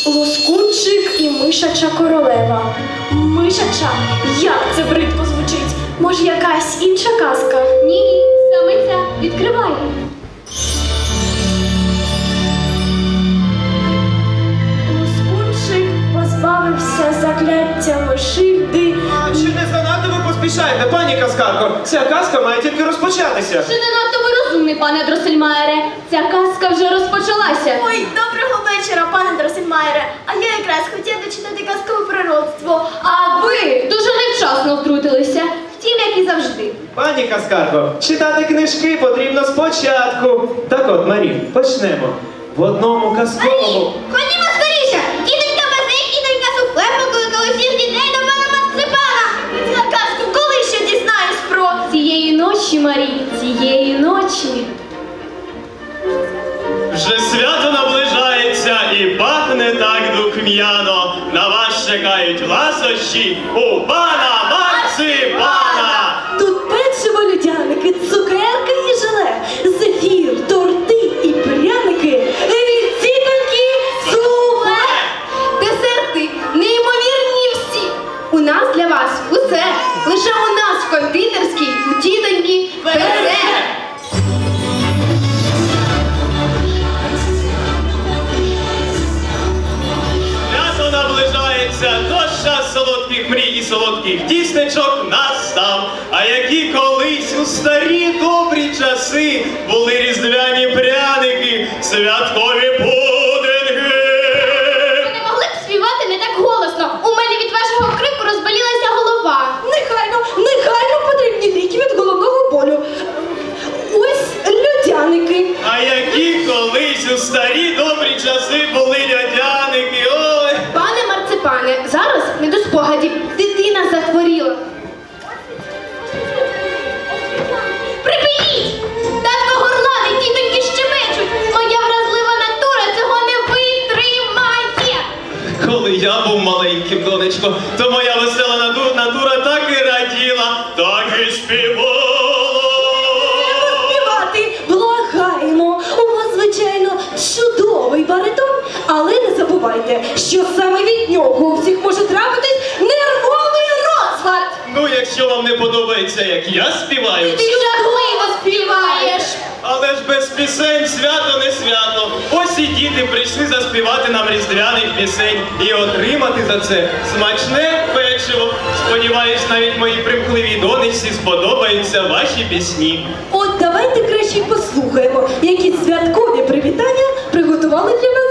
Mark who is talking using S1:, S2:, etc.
S1: Лоскунчик і мишача королева. Мишача? Як це бридко звучить? Може, якась інша казка?
S2: Ні, саме ця. Відкривай.
S1: Лоскунчик позбавився закляття мишигди.
S3: Чи не занадто ви поспішаєте, пані казкарко? Ця казка має тільки розпочатися.
S2: Чи не надто ви розумний, пане Дроссельмайере? Ця казка вже розпочалася.
S1: Ой, доброго вечора, пане Дроссельмайере. А я якраз хотіла дочитати казкове пророцтво.
S2: А ви дуже невчасно втрутилися. Втім, як і завжди.
S3: Пані казкарко, читати книжки потрібно спочатку. Так от, Марі, почнемо. В одному казковому...
S2: Ходімо скоріше! Дітонька Базик і донька Суфле покликали всіх дітей до пана Марципана!
S1: Ця казку коли ще дізнаюсь про...
S2: Цієї ночі, Марі, цієї ночі.
S4: Вже свято наближається і пахне так духм'яно. На вас чекають ласощі у пана Марципана!
S1: Тут печиво, людяники, цукерки і желе, зефір, торти і пряники, від тітоньки Суфле.
S2: Десерти неймовірні всі. У нас для вас усе. Лише у нас в кондитерській, у тітоньки Бере.
S4: Свято наближається, тож час солодких мрій і солодких тістечок настав. А які колись у старі добрі часи були різдвяні пряники, святкові пудинги.
S2: Ви не могли б співати не так голосно. У мене від вашого крику розболілася голова.
S1: Негайно потрібні ліки від головного болю. Ось людяники.
S4: А які колись у старі добрі часи були льодяники, ой!
S2: Пане Марципане, зараз не до спогадів. Дитина захворіла. Припиніть! Татко горлани, тітоньки щебечуть. Моя вразлива натура цього не витримає.
S4: Коли я був маленьким, донечко, то моя весела натура так і раділа, так і співала.
S1: Співати благаємо. У вас, звичайно, чудовий баритон, але не забувайте, що саме від нього у всіх може трапитись нервовий розлад.
S4: Ну, якщо вам не подобається, як я співаю,
S2: Ти жахливо співаєш.
S4: але ж без пісень свято не свято. Ось і діти прийшли заспівати нам різдвяних пісень і отримати за це смачне печиво. Сподіваюсь, навіть моїй примхливій донечці сподобаються ваші пісні.
S1: От давайте краще й послухаємо, які святкові привітання приготували для нас